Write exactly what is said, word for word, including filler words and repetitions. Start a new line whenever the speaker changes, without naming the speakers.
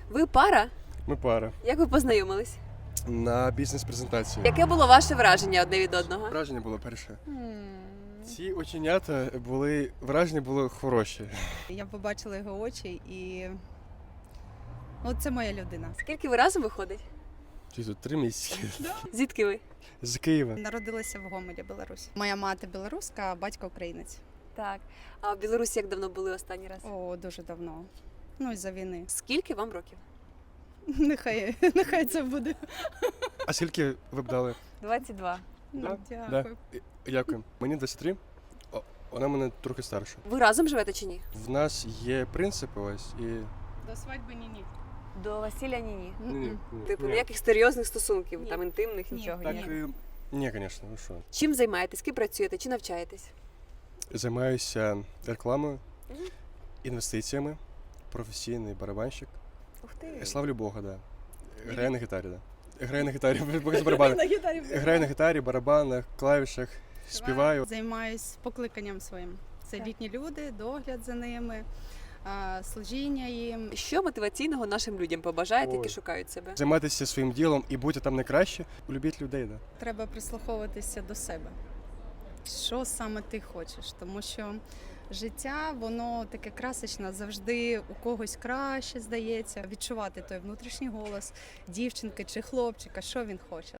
Ви пара?
Ми пара.
Як ви познайомились?
На бізнес-презентації.
Яке було ваше враження одне від одного?
Враження було перше. Ці оченята були, враження було хороші.
Я побачила його очі і от це моя людина.
Скільки ви разом виходить?
Ці тут три місяці.
Звідки ви?
З Києва.
Народилася в Гомелі, Білорусь. Моя мати білоруська, а батько українець.
Так. А в Білорусі як давно були останній раз?
О, дуже давно. Ну, із-за війни.
Скільки вам років?
Нехай, нехай це буде.
А скільки ви б дали?
двадцять два.
Ну,
Да?
дякую.
Дякую. Мені двадцять три. О, вона мене трохи старша.
Ви разом живете чи ні?
В нас є принципи ось і...
До свадьби ні-ні.
До весілля ні-ні.
М-м.
Типу
Ні.
ніяких серйозних стосунків,
Ні.
там інтимних,
Ні.
нічого.
Так,
Ні.
і... Ні, звісно, ви що.
Чим займаєтесь? Ким працюєте? Чи навчаєтесь?
Займаюся рекламою,
Мгм.
інвестиціями, професійний барабанщик.
Ух ти.
Славлю Бога, да. Граю на гітарі, да. Граю на гітарі, без барабану.
На гітарі.
Граю на гітарі, барабанах, клавішах, співаю.
Займаюсь покликанням своїм. Це
Так.
літні люди, догляд за ними, а, служіння їм.
Що мотиваційного нашим людям побажаєте, які
Ой.
шукають себе?
Займатися своїм ділом і бути там найкраще, любіть людей, да.
Треба прислуховуватися до себе. Що саме ти хочеш? Тому що життя, воно таке красочне, завжди у когось краще здається. Відчувати той внутрішній голос дівчинки чи хлопчика, що він хоче.